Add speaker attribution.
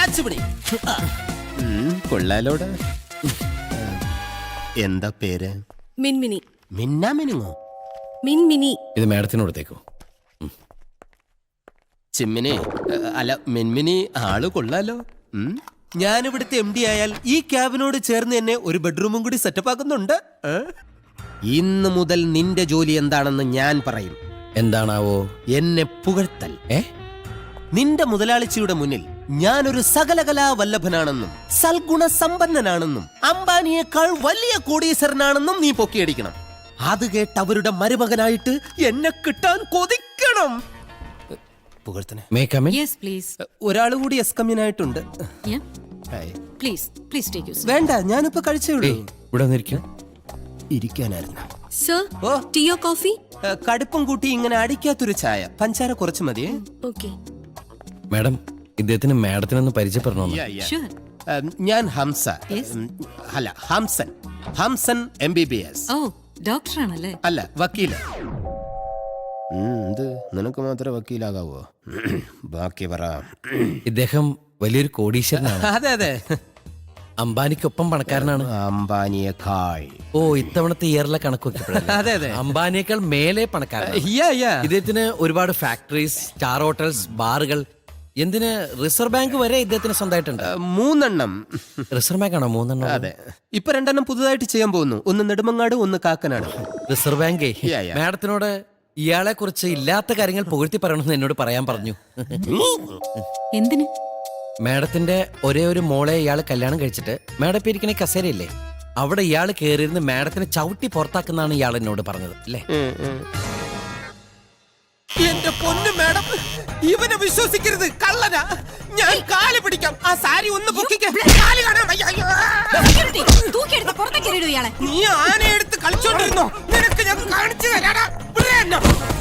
Speaker 1: Catch പിടി. കൊള്ളാലോട്. എന്താ പേര്?
Speaker 2: മിൻമിനി.
Speaker 1: മിന്നാ മിനുങ്ങോ?
Speaker 2: മിൻമിനി.
Speaker 3: ഇത് മാഡത്തിനോടത്തേക്കോ?
Speaker 1: ചിമ്മിനി അല്ല മിൻമിനി, ആള് കൊള്ളാലോ. ഞാനിവിടുത്തെ MD ആയാൽ ഈ ക്യാബിനോട് ചേർന്ന് എന്നെ ഒരു ബെഡ്റൂമും കൂടി സെറ്റപ്പ് ആക്കുന്നുണ്ട്. ഇന്ന് മുതൽ നിന്റെ ജോലി എന്താണെന്ന് ഞാൻ പറയും.
Speaker 3: എന്താണാവോ?
Speaker 1: എന്നെ പുകഴ്ത്തൽ. നിന്റെ മുതലാളിച്ചിയുടെ മുന്നിൽ ഞാനൊരു സകലകലാ വല്ലഭനാണെന്നും സൽഗുണ സമ്പന്നനാണെന്നും അംബാനിയേക്കാൾ വലിയ കോടീശ്വരനാണെന്നും നീ പൊക്കിയടിക്കണം. അത് കേട്ട് അവരുടെ മരുമകനായിട്ട് എന്നെ കിട്ടാൻ കൊതിക്കണം. ഒരാൾ കൂടി എസ്കമ്യനായിട്ടുണ്ട്. വേണ്ട, ഞാനിപ്പോ കഴിച്ചോളൂ.
Speaker 3: ഇവിടെ
Speaker 1: ഇരിക്കാനായിരുന്നു.
Speaker 2: Sir, ടീയോ coffee?
Speaker 1: കടുപ്പം കൂട്ടി ഇങ്ങനെ അടിക്കാത്തൊരു ചായ, പഞ്ചാര കുറച്ച് മതിയേ.
Speaker 3: മാഡം, ഇദ്ദേഹത്തിന് മാഡത്തിനൊന്ന് പരിചയപ്പെടണമെന്ന്.
Speaker 1: ഞാൻ ഹംസ. അല്ല, ഹംസൻ. ഹംസൻ MBBS.
Speaker 2: ഡോക്ടറാണല്ലേ?
Speaker 1: അല്ല, വക്കീല്. നിനക്ക് മാത്രമേ വക്കീലാകാവോ? ബാക്കി പറ.
Speaker 3: ഇദ്ദേഹം വലിയൊരു കോടീശ്വരനാണ്.
Speaker 1: അതെ അതെ,
Speaker 3: അംബാനിക്കൊപ്പം പണക്കാരനാണ്.
Speaker 1: അംബാനിയേക്കാൾ.
Speaker 3: ഓ, ഇത്തവണത്തെ ഇയറിലെ കണക്ക്
Speaker 1: അതെ അതെ,
Speaker 3: അംബാനിയേക്കാൾ മേലെ പണക്കാരനാണ്. ഇദ്ദേഹത്തിന് ഒരുപാട് ഫാക്ടറീസ്, സ്റ്റാർ ഹോട്ടൽസ്, ബാറുകൾ, എന്തിന് റിസർവ് ബാങ്ക് വരെ ഇദ്ദേഹത്തിന് സ്വന്തമായിട്ടുണ്ട്.
Speaker 1: 3 എണ്ണം.
Speaker 3: റിസർവ് ബാങ്ക് ആണോ 3 എണ്ണം?
Speaker 1: അതെ, ഇപ്പൊ 2 എണ്ണം പുതുതായിട്ട് ചെയ്യാൻ പോകുന്നു. ഒന്ന് നെടുമങ്ങാട്, ഒന്ന് കാക്കനാട്.
Speaker 3: റിസർവ് ബാങ്കേ മാഡത്തിനോട് ഇയാളെ കുറിച്ച് ഇല്ലാത്ത കാര്യങ്ങൾ പുകഴ്ത്തി പറയണമെന്ന് എന്നോട് പറയാൻ പറഞ്ഞു.
Speaker 2: എന്തിന്?
Speaker 3: മാഡത്തിന്റെ ഒരേ ഒരു മോളെ ഇയാൾ കല്യാണം കഴിച്ചിട്ട് മാഡം ഇപ്പൊ ഇരിക്കണ കസേരയില്ലേ, അവിടെ ഇയാൾ കയറിയിരുന്ന് മാഡത്തിനെ ചവിട്ടി പുറത്താക്കുന്നാണ് ഇയാൾ എന്നോട് പറഞ്ഞത് അല്ലേ?
Speaker 1: എന്റെ പൊന്നു മാഡം, ഇവനെ വിശ്വസിക്കരുത്, കള്ളനാ. ഞാൻ കാല് പിടിക്കാം. ആ സാരി ഒന്ന് പൊക്കിക്കാൻ. നീ ആനയെടുത്ത് കളിച്ചോണ്ടിരുന്നോ? നിനക്ക് ഞാൻ കാണിച്ചു തരാടാ.